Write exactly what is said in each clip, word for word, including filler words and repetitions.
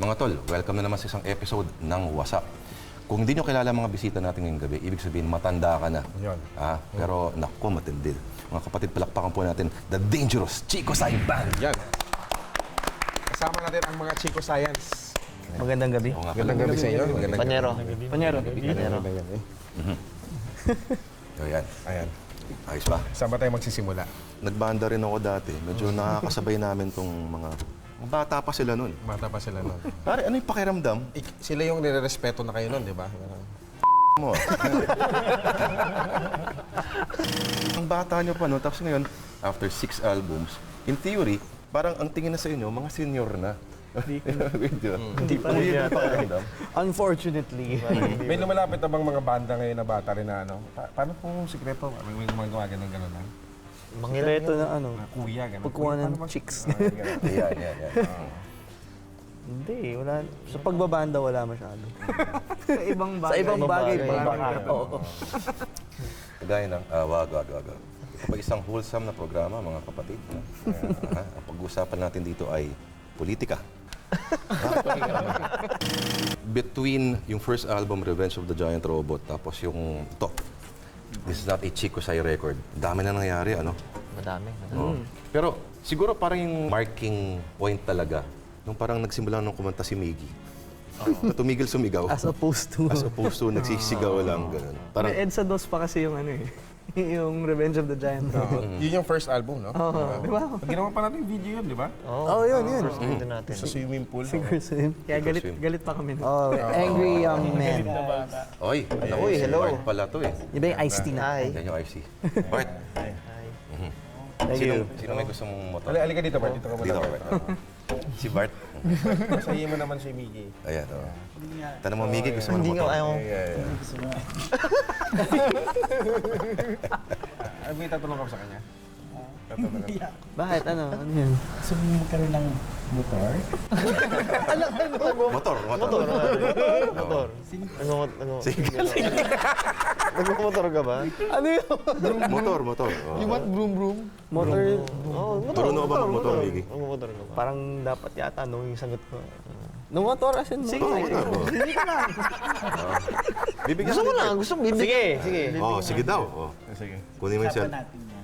Mga tol, welcome na naman sa isang episode ng WhatsApp. Kung hindi nyo kilala mga bisita natin ngayong gabi, ibig sabihin matanda ka na. Yun. Ah, pero naku, matindi. Mga kapatid, palakpakan po natin, The Dangerous Chico Sai Band. Yan. Kasama natin ang mga Chico Science. Magandang gabi. Oo nga, Magandang gabi sa inyo. Magandang Panyero. Panyero. Panyero. gabi. So, yan. Ayan. Ayos ba? Saan ba tayo magsisimula? Nagbanda rin ako dati. Medyo nakakasabay namin tong mga... mga bata pa sila nun. Bata pa sila nun. Pare, ano yung pakiramdam? Ik- sila yung nire-respeto na kayo nun, di ba? Mo. Ang bata nyo pa, no? Tapos ngayon, after six albums, in theory, parang ang tingin na sa inyo, mga senior na. Hindi pa rin yata. Unfortunately. May lumalapit na bang mga banda ngayon na bata rin na ano? Pa- paano kung sikreto? May may gumagawa ganun gano'n na? Mangreto na ano. Na kuya, gano'n. Pagkuha ng Paano mag- chicks. Ah, ganun. Yan, yan, yan. Hindi, wala. Sa pagbabanda wala masyado. Sa ibang bagay. Sa ibang bagay. Ibang parang- bagay. Oo. Kagaya ng, ah, wag, wag, wag. wag. Ito pa isang wholesome na programa, mga kapatid. Ah, ang pag-uusapan natin dito ay politika. Between yung first album, Revenge of the Giant Robot, tapos yung ito, This is not a Chico Sai record. Dami na nangyari, ano? Madami. madami. Oo. Pero siguro parang yung marking point talaga, nung parang nagsimula nung kumanta si Miggy. Na tumigil sumigaw. As opposed to... As opposed to nagsisigaw lang, ganun. Parang, May EDSA dos pa kasi yung ano eh. yung Revenge of the Giant Robot. Yun yung first album, no? Oo, di ba? Ginawa pa natin yung video yun, di ba? Oo, oh, yun, yun. First video natin. Sa swimming pool. Siguro sa him. Kaya galit, galit pa kami. nun. Oh, angry young man. oy, Uy, hello. Bart pala to eh. Di ba yung iced tea na? Hi. Yan yung I C. Bart, Thank sino, you. sino may gusto mong motor? Ali, alika dito, Bart. Dito ka muna. Dito ka, Bart. Si Bart. Masahin mo naman si Miggy. Ayan, oh. Tanong mo, Miggy, gusto mo ng Hindi nga motor? ayaw. Yeah, yeah. Ano may tatanong ka sa kanya? Tatanong ka. Bakit? Ano? Ano yun? Gusto mo magkaroon ng motor? Motor, motor. Motor. Motor. Ano? Ano? Nagmumotor ka ba? Ano yun? Motor, motor. Oh. You want broom broom? Motor. Oo, motor. Marunong ka ba magmotor, Miggy? Magmumotor ka ba? Parang dapat yata no yung sagot ko. No motor as in Sige, Oo, sige. motor. oh. Hindi ka lang. Bibigyan Gusto mo kita. lang. Gusto mo. Sige. Sige. Oh, sige daw. Oh. Sige. Kunin mo yung cell. Usapan natin yan.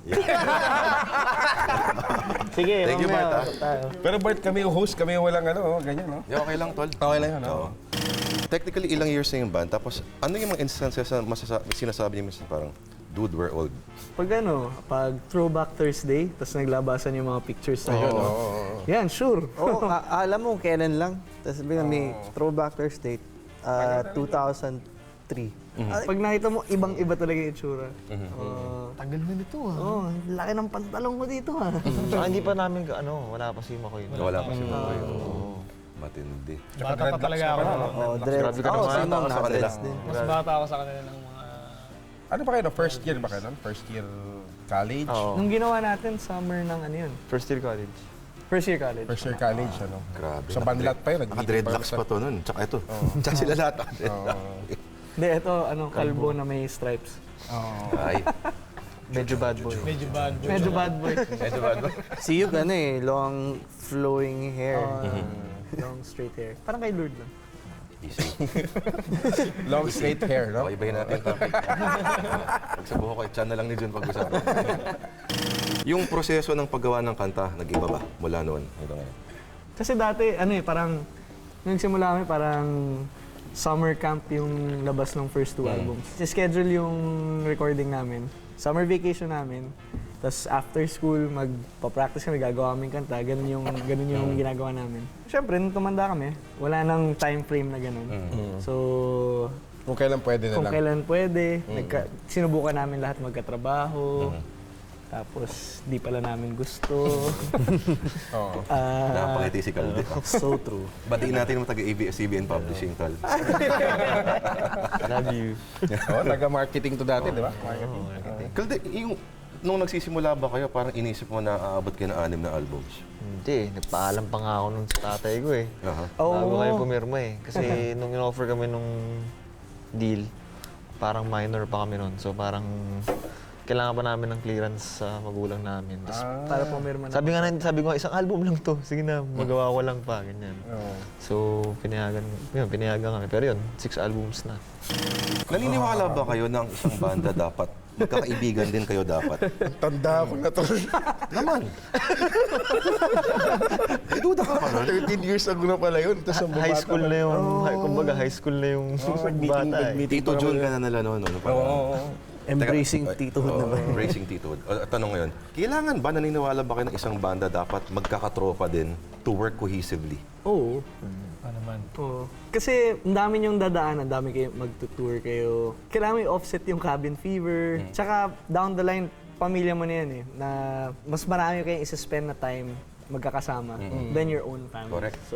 Sige, Thank you, mamaya Bart, ah. usap tayo. Pero Bart, kami yung host, kami yung walang ano, oh, ganyan, no? Yeah, okay lang, tol. Okay lang yun, Oo. no? Technically, ilang years na yung band. Tapos, ano yung mga instances na masasa- sinasabi niyo minsan parang, dude, we're old. Pag ano, pag Throwback Thursday, tapos naglabasan yung mga pictures na yun. Oo. Yan, sure. Oo, a- alam mo kailan lang. Tapos bigla may throwback Thursday, uh, two thousand three. Pag nakita mo, ibang-iba talaga yung itsura. Uh, Tagal na nito ah. oh, laki ng pantalong ko dito ha. Saka hindi pa namin, ka- ano, wala pa si Makoy. Wala pa si Makoy. Oo. Matindi. Bata pa talaga ako. Oh, dreads. Grabe ka Ako, naman. sino Bata ka sa na kanila. dreads din. Mas bata ako sa kanila ng mga... Ano ba kayo, no? First year ba kayo, no? First year college? Oo. Nung ginawa natin, summer ng ano yun? First year college. First year college. First year college, ano? Grabe. Sa banlat pa yun, nag-meeting Naka-dreadlocks pa pa to nun. Tsaka ito. Tsaka sila lahat. Hindi, ito, ano, kalbo na may stripes. Ay. Medyo bad boy. Medyo bad. Medyo bad boy. Medyo bad ba? Si Yug, ano eh, long flowing hair. Uh, long straight hair. Parang kay Lord lang. Easy. Long straight hair, no? Okay, ibahin natin yung topic. Pag sa buho ko, chan na lang ni Jun pag-usapan. Yung proseso ng paggawa ng kanta, nag-iba ba mula noon hanggang ngayon? Kasi dati, ano eh, parang, nung nagsimula kami, parang summer camp yung labas ng first two albums. Si-schedule yung recording namin, summer vacation namin, tapos after school, magpa-practice kami, gagawa kami kanta, ganun yung, ganun yung ginagawa namin. Siyempre, nung tumanda kami, wala nang time frame na ganun. So, Kung kailan pwede na kung lang. kailan pwede, nagka, sinubukan namin lahat magkatrabaho, tapos di pala namin gusto. Oo. Ah, Nakapangiti si Calde. so true. Batiin natin yung taga-A B S C B N Publishing, Tal. Love you. Oo, taga-marketing to dati, di ba? Marketing. Calde, yung, nung nagsisimula ba kayo, parang inisip mo na aabot kayo ng anim na albums? Hindi. Nagpaalam pa nga ako nun sa tatay ko eh. Aha. Bago kayo pumirma eh. Kasi nung in-offer kami nung deal, parang minor pa kami nun. So parang kailangan pa namin ng clearance sa magulang namin. Tapos, Para pumirma na. sabi nga na, sabi ko nga, isang album lang to. Sige na, magawa ko lang pa, ganyan. Oo. So, pinayagan, yun, pinayagan kami. Pero yun, six albums na. Naniniwala ba kayo na ang isang banda dapat, magkakaibigan din kayo dapat? Tanda ko na to. Naman! May duda ka pa nun? thirteen years ago na pala yun. Tapos ang High bata school pa- na yung, hi- kumbaga high school na yung bata eh. Tito Jun ka na nila noon. Ano, Oo, oo, oo. Embracing Teka, titohood oo, na ba? Embracing titohood. O, tanong ngayon, kailangan ba naniniwala ba kayo ng isang banda dapat magkakatropa din to work cohesively? Oo. Ano naman? Oo. Kasi ang dami yung dadaan, ang dami kayo magtutour kayo. Kailangan may offset yung cabin fever. Tsaka down the line, pamilya mo na yan eh, na mas marami kayong isa-spend na time magkakasama than your own family. Correct. So,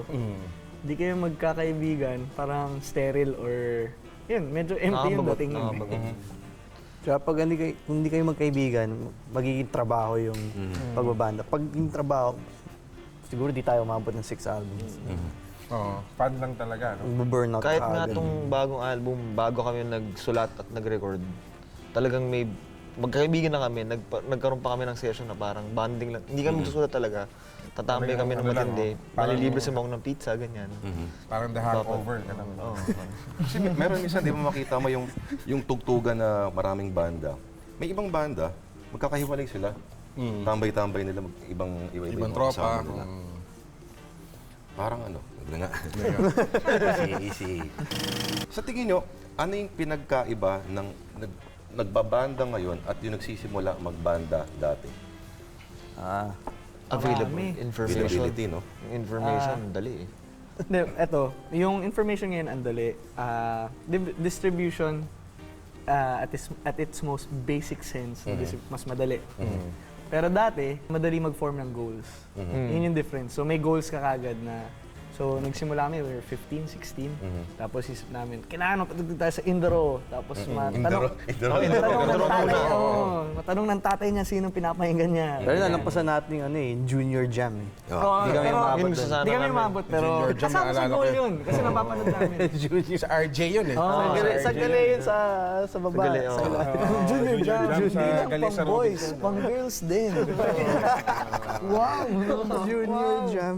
di kayo magkakaibigan, parang sterile or, yun, medyo empty yung Nakakabagot, dating nun. eh. nakakabagot. Kaya pag hindi kayo, kung hindi kayo magkaibigan, magiging trabaho yung pagbabanda. Pag yung trabaho, siguro di tayo umabot ng six albums. Oo. Fan lang talaga, no? Mag-burnout Kahit ka nga agad. tong bagong album, bago kami nagsulat at nag-record, talagang may magkaibigan na kami, nagpa, nagkaroon pa kami ng session na parang banding lang. Hindi kami magsusulat talaga. Tatambay kami ng Ano lang, matindi. oh. Parang- Malilibre sa mga ng pizza, ganyan. Parang the hangover. Ganun. Oo. Kasi may- meron minsan, di mo makita mo yung, yung tugtugan na maraming banda. May ibang banda, magkakahiwalay sila. Tambay-tambay nila, mag, ibang iba-iba Ibang yung tropa. kasama nila. Mm. Parang ano, wala nga. easy, easy. Sa tingin nyo, ano yung pinagkaiba ng nag, nagbabanda ngayon at yung nagsisimula magbanda dati? Ah, Available Marami. information. Availability, no? Yung information, dali eh. Hindi, eto, yung information ngayon ang dali. Ah, di- distribution ah, at, its, at its most basic sense, dis- mas madali. Pero dati, madali mag-form ng goals. Yun yung difference. So may goals ka kagad na, so nagsimula kami, we were fifteen, sixteen. Tapos isip namin, kailangan patugtog tayo sa Indro. Tapos matanong, Indro. matanong ng tatay, oo. Matanong ng tatay niya sinong pinapahinggan niya. pero nalampasan natin yung ano eh, junior jam eh. Oo, Hindi kami pero- umabot Yun doon. gusto sana Hindi kami namin. umabot, pero Junior jam, kasama sa naalala goal ko. yun. Kasi napapanood namin. Sa R J yun eh. Oh, sa Gali yun sa, sa baba. Sa Gali, sa oo. ila- Oo, Junior jam. jam sa Hindi lang Gali sa pang boys, Robinson. pang girls din. Wow! Junior jam.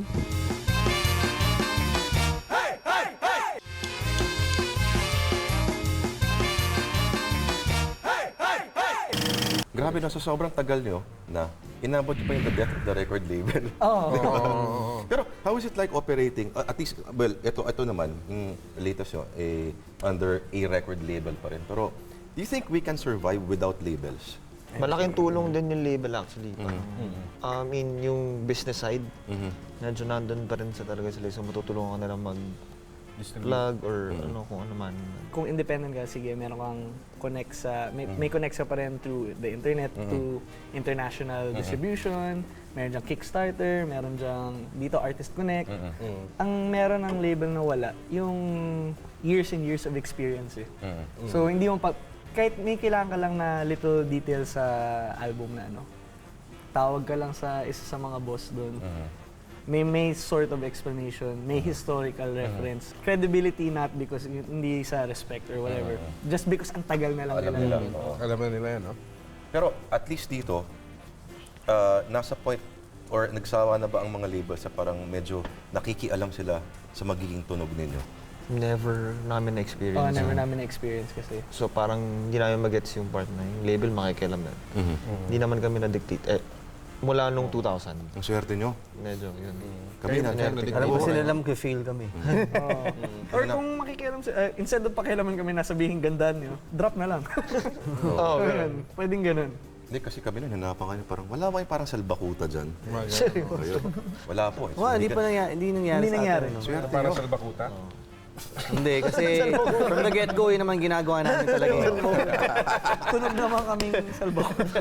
Grabe na, sa sobrang tagal nyo na inabot nyo pa yung the death of the record label. Oo. Pero how is it like operating, uh, at least, well, ito, ito naman, yung latest nyo, eh, under a record label pa rin. Pero do you think we can survive without labels? Malaking tulong din yung label actually. Parang, I mean, yung business side, medyo nandun pa rin sa talaga sila. So matutulungan ka nila mag-plug or ano kung ano man. Kung independent ka, sige, meron kang connect sa, may, may connect ka pa rin through the internet to international distribution, meron dyang Kickstarter, meron dyang dito Artist Connect. Ang meron ng label na wala, yung years and years of experience eh. So hindi mo pa, kahit may kailangan ka lang na little detail sa album na ano, tawag ka lang sa isa sa mga boss doon. May may sort of explanation, may historical reference. Credibility not because y- hindi sa respect or whatever. Just because ang tagal na lang Alam nila. nila. oo. Alam na nila yan, no? Pero at least dito, uh, nasa point or nagsawa na ba ang mga labels sa parang medyo nakikialam sila sa magiging tunog ninyo? Never namin Oh, na-experience. never yun. namin na-experience kasi. So parang hindi namin magets yung part na yung label makikialam na. Hindi naman kami na-dictate. Eh, mula nung two thousand, Ang swerte nyo. medyo yun. Kami na, Never swerte. Alam mo Oo, sila ano? lang feel kami. Or kung makikialam si uh, instead of pakialaman kami na sabihin gandaan nyo, drop na lang. Oo, Ganun. Pwedeng ganun. Hindi, kasi kami nun, hanapan kayo parang, wala ba yung parang salbakuta dyan? Ayun. Wala po. eh. So, Wala, hindi ka- pa nangyari, hindi nangyari Hindi sa nangyari. atin. no? Swerte Para nyo. sa Albakuta. Hindi, kasi from the get-go, yun naman ginagawa namin talaga. yun. Tunog naman kaming salbakuta.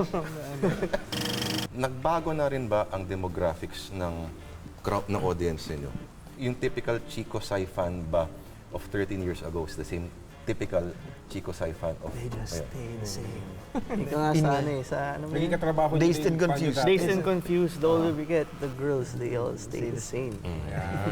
Nagbago na rin ba ang demographics ng crowd ng audience ninyo? Yung typical Chico Sai fan ba of thirteen years ago is the same typical Chico Sai fan of They just ngayon? stay the same. Ika nga sa ano eh, sa ano mo Naging yun? katrabaho Dazed nyo and yung fan nyo confused. dati. Dazed and confused, the older we get, the girls, they all stay the same.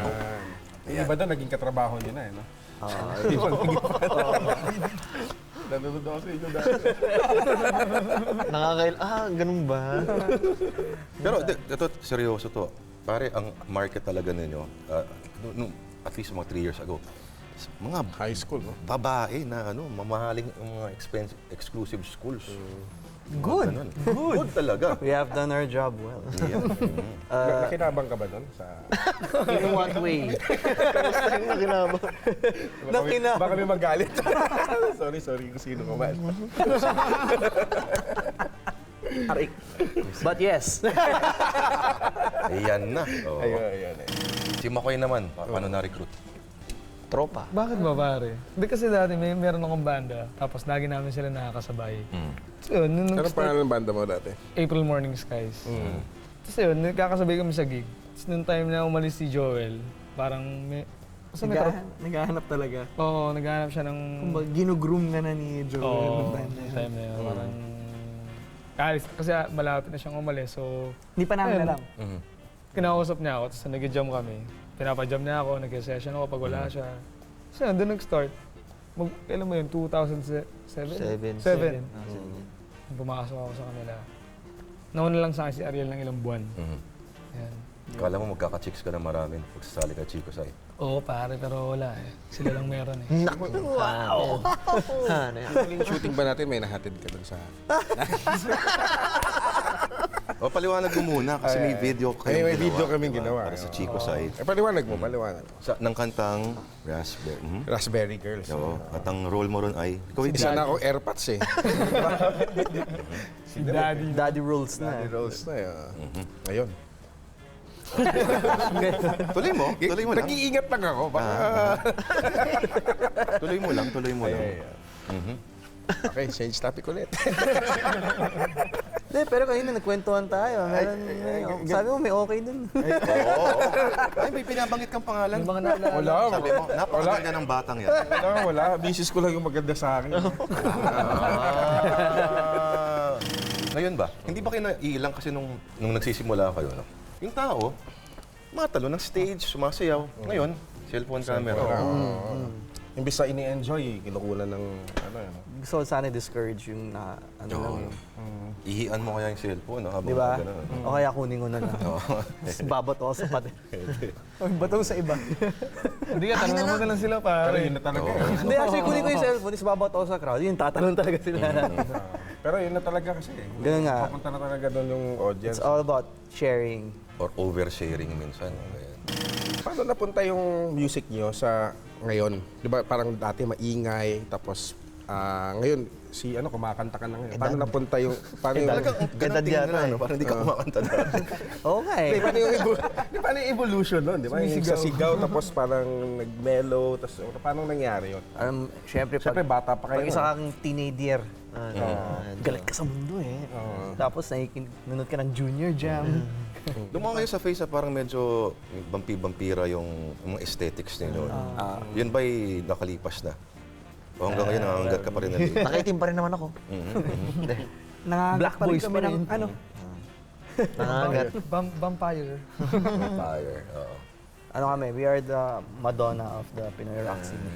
Yan. Yung iba doon, naging katrabaho nyo na, eh, no? Ah, Nanonood ako sa inyo dati. Nakakail... Ah, ganun ba? Pero di- ito, seryoso to. Pare, ang market talaga ninyo, ah, nung- nung- at least mga three years ago, s- mga High school, no? babae na ano, mamahaling mga expensive, exclusive schools. Good. Ganun. Good talaga. We have done our job well. Yeah. Na- nakinabang ka ba doon? Sa... In what way? Kamusta yung nakinabang? Nakinabang. Baka may magalit. sorry, sorry kung sino ka man. Arik. But yes. Ayan na. Oo. Ayun, ayun. ayun. Si Makoy naman, pa- paano na-recruit? Tropa. Bakit ba pare? Hindi kasi dati may meron akong banda, tapos lagi namin sila nakakasabay. So yun, nung Anong nag-start, pangalan ng banda mo dati? April Morning Skies. Tapos yun, nagkakasabay kami sa gig. Tapos nung time na umalis si Joel, parang may... Basta may trop- Naghahanap, naghahanap talaga. Oo, naghahanap siya ng... Kumbaga, ginugroom ka na ni Joel. Oo, nung time na nung yun. time na yun. Parang... Alis, kasi malapit na siyang umalis, so... Hindi pa namin Ayun. alam. Mhm. Kinausap niya ako, tapos nag-jam kami. Pinapa-jam niya ako, nag-session ako pag wala siya. So yun, doon nag-start. Mag, kailan mo yun? two thousand seven? Seven. Seven. Ah, seven. Pumasok ako sa kanila. Nauna lang sa akin si Ariel ng ilang buwan. Mhm. Yan. Kala mo magkaka-chicks ka na marami pag sasali ka Chico Sai. Oo pare, pero wala eh. Sila lang meron eh. Naku! Wow! Ano yan? Yung shooting ba natin, may nahatid ka doon sa... O, paliwanag mo muna kasi may video Ay, kayong may ginawa, video kaming diba? ginawa. Para sa Oo. Chico Sai. Eh, paliwanag mo, paliwanag. Sa, ng kantang Raspberry. Mhm. Raspberry Girls. Oo. At ang role mo ron ay... Ikaw yung Isa na akong airpods eh. Si Daddy. Daddy rules na. Daddy Rolls na eh. Ayun. Tuloy mo. Tuloy mo lang. Nag-iingat lang ako. Baka... Tuloy mo lang. Tuloy mo lang. Ay, ay, ay. Mhm. Okay, change topic ulit. Hindi, pero kanina nagkwentuhan tayo. Meron, may, sabi mo may okay dun. Oo. Ay, may pinabanggit kang pangalan. Yung mga naalala. Wala. Sabi mo, napakaganda ng batang yan. Wala, wala. Misis ko lang yung maganda sa akin. Ah. Ngayon ba, hindi ba kayo naiilang kasi nung, nung nagsisimula kayo, no? Yung tao, matalo ng stage, sumasayaw. Ngayon, cellphone camera. Oo. Imbis na ini-enjoy, kinukunan ng ano yun. Gusto ko sana discourage yung na, ano Oo. lang yun. Ihian mo kaya yung cellphone, no? Habang Di ba? ganun. O kaya kunin ko na lang. Tapos babot ako sa pader. Pag batong sa iba. Hindi ka, tanong mo na lang sila Pero pare. yun na talaga. Oo. eh. Hindi, actually kunin ko yung cellphone, tapos babot ako sa crowd. Yun, tatanong talaga sila. Ah, Pero yun na talaga kasi. eh. Ganun nga. Papunta na talaga doon yung audience. It's all about sharing. Or oversharing minsan. no? Ganyan. Paano napunta yung music nyo sa ngayon? Di ba parang dati maingay, tapos ah, ngayon si ano kumakanta ka na ngayon. Paano napunta yung paano yung Talagang ang ganang Edad tingin yata nila, eh. no? Parang hindi ka kumakanta na. Oo nga eh. Di, paano yung, evo- di, paano yung evolution nun? Di ba? Yung sa sigaw, tapos parang nag-mellow, tapos paano nangyari yun? Um, Siyempre, Siyempre, pag, bata pa kayo. pag isa no? kang teenager, Ah, galit ka sa mundo eh. Oo. Tapos nakikinunod ka ng junior jam. Lumang kayo sa face na parang medyo bampi-bampira yung, yung mga aesthetics ninyo. Yun ba'y nakalipas na? O hanggang ngayon, nangangagat ka pa rin na din? Nakaitim pa rin naman ako. Nangangagat Black pa rin boys kami pa ng rin. ano. Nangangagat. Vam- vampire. Fire. Oo. Ano kami, we are the Madonna of the Pinoy rock scene.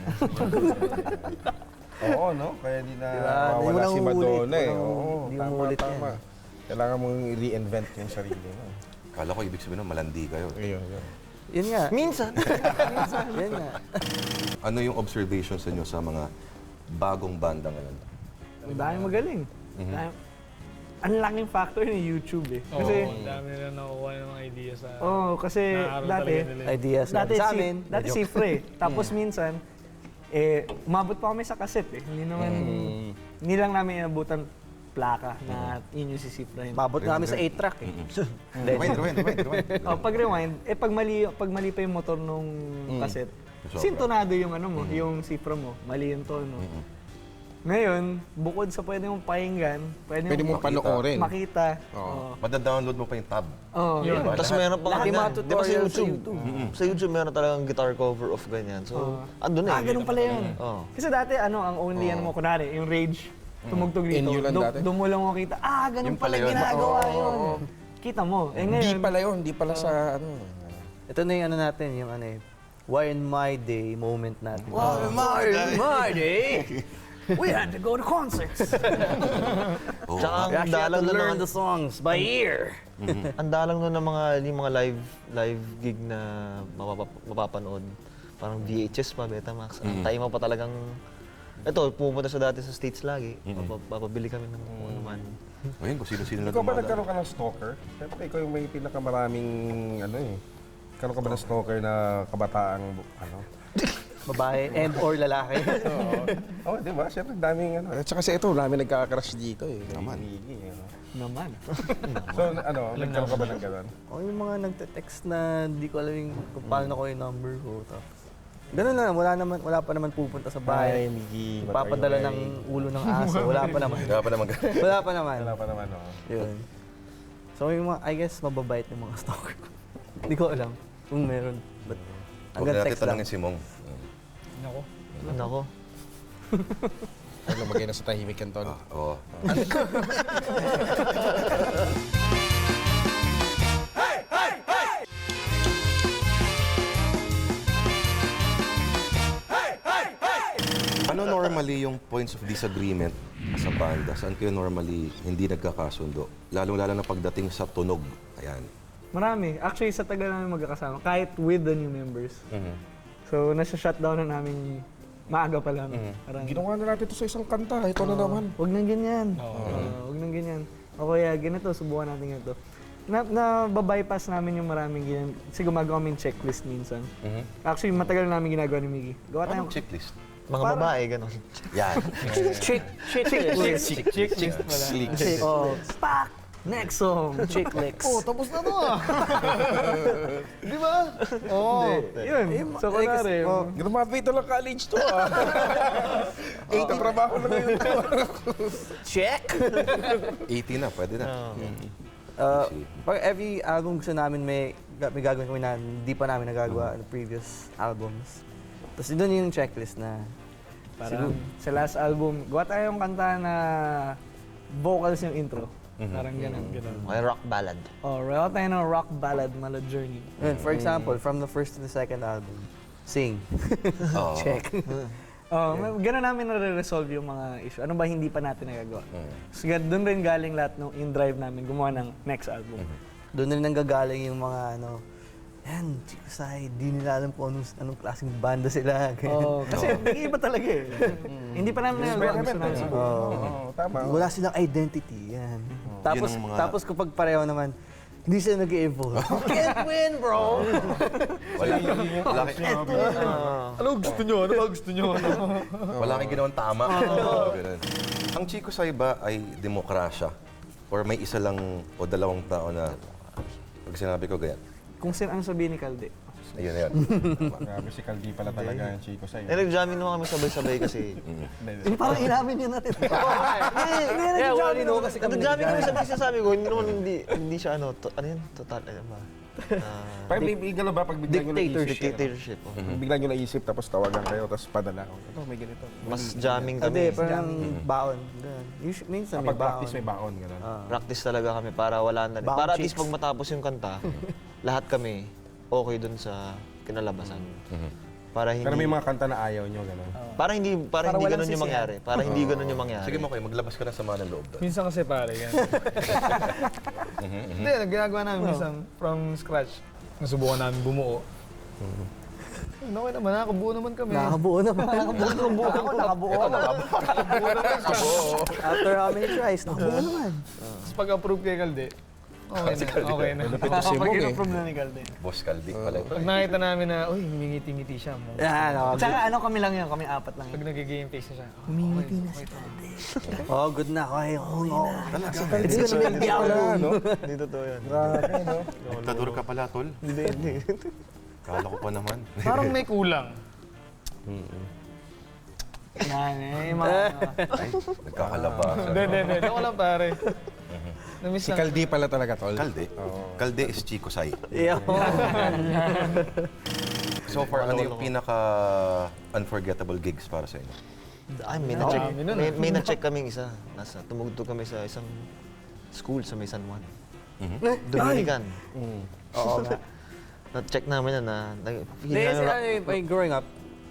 Oo, no? Kaya di na Diba? Di mo mawala lang si uulit. Madonna eh. Walang- Oo, di mo tama, ulit tama. Kailangan mong i-reinvent yung sarili mo. Kala ko ibig sabihin nun, malandi kayo. Ayun, yun. Yun nga. Minsan. Yun nga. Ano yung observations niyo sa mga bagong banda ngayon? Ang daming magaling. Dami- Ang laking factor ni YouTube eh. Oo, Kasi, ang dami nila nakukuha ng mga idea sa... oh, kasi Naaral dati, talaga nila. Ideas dati, sa si, amin. dati Medyo- sifre eh. Tapos minsan, eh, umabot pa kami sa cassette eh. Hindi naman, hindi lang namin inabutan plaka na yun yung sisifrahin. Mabot na kami sa eight track eh. Rewind, rewind, rewind, rewind. Oh, pag rewind, eh pag mali, pag mali pa yung motor nung cassette, Sobra. sintonado yung ano mo, yung sifra mo, mali yung tono. Ngayon, bukod sa pwede mong pakinggan, pwede, Pwede mong mong panoorin. makita. Oo. Madadownload mo pa yung tab. Oh, Yun. Diba? Tapos Lahat. meron pa Lahat nga yung mga Di ba sa tutorials sa YouTube? YouTube. Sa YouTube meron talagang guitar cover of ganyan. So, andun eh. Ah, ganun pala yun. Oo. Kasi dati, ano, ang only, ano mo, kunwari, yung Rage, tumugtog dito. In you lang Do- dati? Doon mo lang mo kita, ah, ganun Yung pala pala yun. ginagawa yun. Kita mo. Eh Hindi ngayon, pala yun, hindi pala sa ano. Ito na yung ano natin, yung ano eh, Why in my day moment natin. Wow, my, my day! We had to go to concerts. Oo. Tsaka We ang actually had dalang to nun learn ng, the songs by ear. ang dalang nun ng mga, yung mga live live gig na mapapa- mapapanood. Parang V H S pa, Betamax. Ang tayo mo pa talagang, ito, pumunta sa dati sa States lagi. Papa- Papabili kami ng kung ano man. Ayun, kung sino-sino na Ikaw ba dumadaan. nagkaroon ka ng stalker? Siyempre, ikaw yung may pinakamaraming, ano eh. Karoon ka ba ng stalker na kabataang, ano? Babae and or lalaki. Oo, oh, di ba? Siyempre, daming, ano. At saka kasi ito, dami nagkaka-crush dito eh. Naman. Naman. So, ano, nagkaroon ka ba ng gano'n? O yung mga nagte-text na hindi ko alam yung kung paano ko yung number ko. Tapos, ganun na, wala, naman, wala pa naman pupunta sa bahay. Miggy. Papadala ng ulo ng aso. Wala pa naman. Wala pa naman. Wala pa naman. Wala pa naman, oo. Yun. So yung mga, I guess, mababait yung mga stalker ko. Hindi ko alam kung meron. But Huwag hanggang na natin text lang. tanongin si Mong. Nako. Nako. Ano, lumagay na sa tahimik yan, Ton. Ah, oo. Ano normally yung points of disagreement sa banda? Saan kayo normally hindi nagkakasundo? Lalong-lalo na pagdating sa tunog. Ayan. Marami. Actually, sa tagal namin magkakasama, kahit with the new members. So, nasa-shutdown na namin maaga pa lang. Parang, Ginawa na natin ito sa isang kanta. Ito na naman. huwag nang ganyan. Uh, huwag nang ganyan. O kaya, ganito, subukan natin ganito. Na, na bypass namin yung maraming ganyan. Kasi gumagawa kami checklist minsan. Actually, matagal namin ginagawa ni Miggy. Gawa Anong tayong checklist? Mga babae, gano'n. Yan. Chick, chick, chick, Chick, chick, chick pala. chick. Oh, spak! Next song, chick licks. oh, tapos na to ah! Di ba? Oo. Yun. So, kunwari, oh, Graduate lang college to, ah. Eight na trabaho na ngayon to. check! eighty na, pwede na. Uh, pag every album gusto namin may, may gagawin kami na hindi pa namin nagagawa ng previous albums. Tapos doon yung checklist na parang sa last album, gawa tayong kanta na vocals yung intro. Parang ganun, ganun. Okay, rock ballad. Oh, gawa tayo ng rock ballad, mala journey. yun, for example, from the first to the second album, sing. Oo. Check. Oh, yeah. Ganun namin na-resolve yung mga issue. Ano ba hindi pa natin nagagawa? So, doon rin galing lahat ng in drive namin gumawa ng next album. Doon rin nanggagaling yung mga ano, yan, Chico Sai, di nila alam kung anong, anong klaseng banda sila. Oh, kasi nag-iiba talaga eh. Hindi pa namin nagagawa. Gusto namin subukan. Oo, tama. Wala silang identity, yan. Tapos, Yun ang mga- tapos kapag pareho naman, hindi sila nag-evolve. Can't win, bro! Wala, wala, kay- Ano gusto nyo? Ano ba gusto nyo? Ano? wala kang ginawang tama. Oo, ganun. Ang Chico Sai ba ay demokrasya? Or may isa lang o dalawang tao na pag sinabi ko ganyan? Kung sin ano sabihin ni Calde. Ayun na yun. Grabe si Caldi pala talaga yung Chico sa'yo. Eh, nag-jamming naman kami sabay-sabay kasi. Hindi, parang inamin yun natin. Hindi, Yeah, well, nag-jamming naman kasi kami. nag-jamming kami sabay sasabi ko, hindi naman, hindi, hindi siya ano, to, ano yun, total, ano ba? Ah, Pag bigla ba, pag bigla nyo naisip, dictatorship. oh. pag bigla nyo naisip, tapos tawagan kayo, tapos padala. Ito, may ganito. Mas jamming Hindi, kami. parang baon. Ganun. Usually, minsan may Kapag baon. practice, may baon, gano'n. Practice talaga kami para wala na rin. Bound Para at least chicks. pag matapos yung kanta, lahat kami okay dun sa kinalabasan. Para hindi Pero may mga kanta na ayaw nyo, gano'n. para hindi para, Para hindi walang ganun yung sisihan. mangyari. Para hindi ganun yung mangyari. Sige mo kayo, maglabas ka ng sama ng loob doon. Minsan kasi pare, yan. Hindi, ginagawa namin minsan from scratch. Nasubukan namin bumuo. Ano okay naman, nakabuo naman kami. Nakabuo naman. Nakabuo naman. Ako, nakabuo naman. After how many tries, nakabuo naman. Tapos pag-approve kay Kalde, okay na, okay na. Ito si Mong eh. From na ni Calde. Boss Caldi pala. ito. Pag nakita namin na, uy, humingiti-ngiti siya mo. Yan, nakabuo. Tsaka ano kami lang yun, kami apat lang Pag yun. nag-game face na siya, oh, Humingiti na si Calde. Oh, good na. Okay, okay na. It's gonna be a Wala, diablo. no? Hindi totoo yan. Grabe, no? Diktador ka pala, tol. Hindi, hindi. Kala ko pa naman. parang may kulang. Yan eh, yung mga ano. Ay, nagkakalabasan. Hindi, hindi, hindi. Ako lang pare. Namiss Si lang. Caldi pala talaga, tol. Calde? Calde is Chico Sai. Yeah. So far, ano yung pinaka unforgettable gigs para sa inyo? Ay, may na-check. Dami nun, May, may na-check kaming isa. Nasa, tumugtog kami sa isang school sa may San Juan. Dominican. Oo nga. Na-check namin na na, na feel Hindi, namin kasi rock- ano, yung- yung growing up,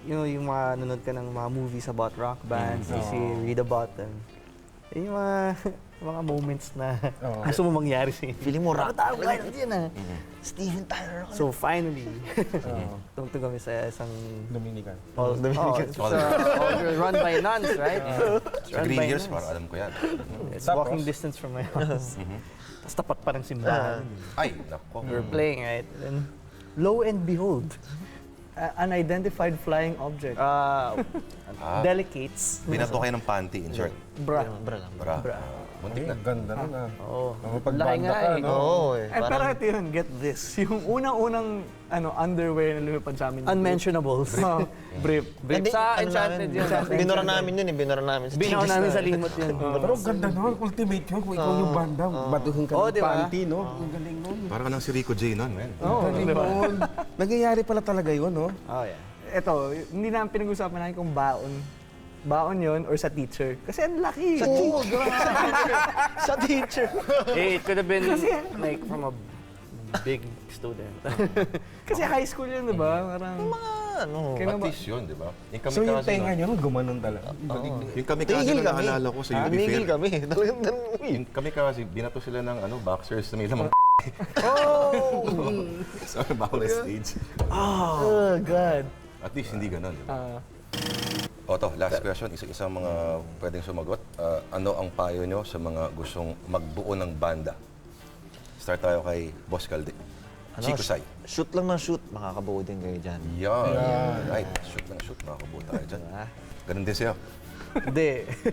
you know, yung mga nanonood ka ng mga movies about rock bands, you see, read about them. Yun yung mga, mga moments na gusto mo mangyari sa inyo. Feeling mo rock. Tawag ka yan ah. Steven Tyler. So finally, tungtong kami sa isang Dominican. all, Dominican. Oh, it's, uh, all run by nuns, right? It's Sa run Green by Hills, nuns. para alam ko yan. It's walking distance from my house. Tapos tapat pa ng simbahan. Ay, nako. We were playing, right? And lo and behold, Uh, unidentified flying object. uh, Ah, delicates. binato kayo ng panty, in short. Bra. Bra lang. Bra. Bra. Muntik na. Ganda nun ah. Oo. Mapagbanda Laki nga ka, eh. no? Oo eh. Eh, pero Parang, ito yun, get this. Yung unang-unang ano, underwear na lumipad sa amin. Unmentionables. Oh, brief. Hindi, Sa ano Enchanted namin, yun. Sa- Binura namin yun eh. Binura namin. Sa Binaw changes namin na sa eh. limot yun. Pero ganda nun, ultimate yun. Kung ikaw yung banda, batuhin ka Oo, ng di ba? panty, no? Ang galing nun. Parang ka ng si Rico J nun, man. Oo, Galing di ba? nun. Nangyayari pala talaga yun, no? Oh, yeah. Ito, hindi namin pinag-usapan namin kung baon. Baon yon or sa teacher. Kasi ang laki. Sa teacher. Sa teacher. Hey, it could have been like from a big student. Kasi high school yun, di ba? Parang... Ano? Kaya At ba? least yun, di ba? Yung So yung kamikaze tenga nun- niyo, gumanon talaga. Yung kamikaze Tigil na kami. naalala ko sa U B Tumigil Fair. kami. Talagang ganun. Yung kamikaze, binato sila ng ano, boxers na may lamang Oh! sa bawal na stage. Oh, God. At least hindi ganun, di ba? Ah, O to, last question, isa-isang mga pwedeng sumagot. Ah, ano ang payo nyo sa mga gustong magbuo ng banda? Start tayo kay Boss Calde. Chico Sai. Shoot lang ng shoot. Makakabuo din kayo dyan. Yan. Right. Shoot lang shoot. Makakabuo tayo dyan. Ganun din sa'yo. Hindi.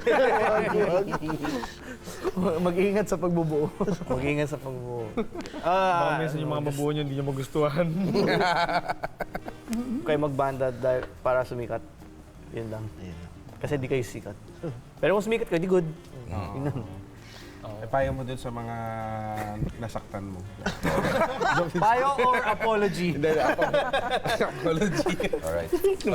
mag-ingat sa pagbubuo. Mag-ingat sa pagbuo. Baka Ah, minsan yung mga mabuo nyo, hindi nyo magustuhan. kayo magbanda dahil para sumikat. Yun lang. Kasi di kayo sikat. Pero kung sumikat kayo, di good. Yun lang. Eh, payo mo dun sa mga nasaktan mo. Payo or apology? Apology. Alright.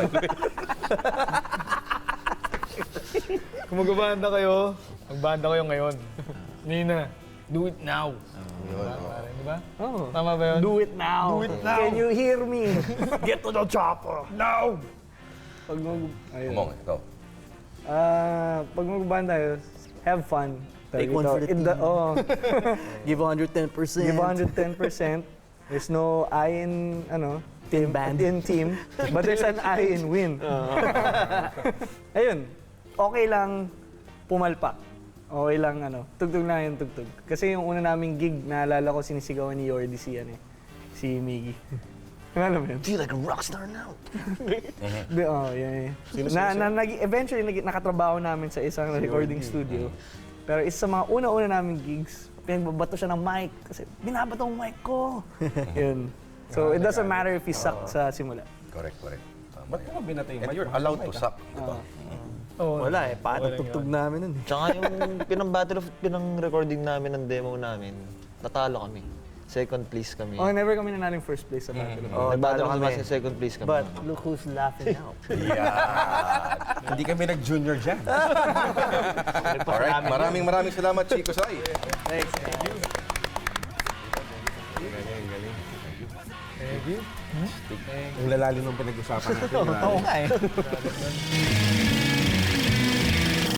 Kung magbabanda kayo, magbanda kayo ngayon. Nina, do it now. Parang, di ba? Oh. Tama ba yun? Do it now. Do it now. Can you hear me? Get to the chopper. Now! Pag mag... Ayun. Kumong, ikaw. Ah, pag magbanda tayo, have fun. Take Sabi one ko, for the in the, team. oh, Give one hundred ten percent. give one hundred ten percent. There's no I in, ano, team, band. in team, but there's an I in win. Ayun, okay lang pumalpak. Okay lang, ano, tugtog lang yung tugtog. Kasi yung una naming gig, naalala ko sinisigawan ni Yordi si, ano, eh, si Miggy. Alam mo yun? Feel like a rockstar now. Di, oh, yun, yun. Na, na, nag- eventually, nag, nakatrabaho namin sa isang recording studio. Pero isa sa mga una-una naming gigs, pinagbabato siya ng mic. Kasi binabato ang mic ko. Yun. So, it doesn't matter if he sucked sa simula. Correct, correct. Tama Ba't yan. mo binatay yung And mic? you're allowed to suck, di ba? Oh, Wala eh. Paano tugtog namin nun eh. Tsaka yung pinang-battle of, pinang-recording namin ng demo namin, natalo kami. Second place kami. Oh, never kami nanaling first place sa battle. Oh, Nag-battle talo kami kami. sa second place kami. But look who's laughing now. Hindi kami nag-junior dyan. Alright, maraming maraming salamat, Chico Sai. Thanks. Ang lalalim ng pinag-usapan natin. Oo nga eh.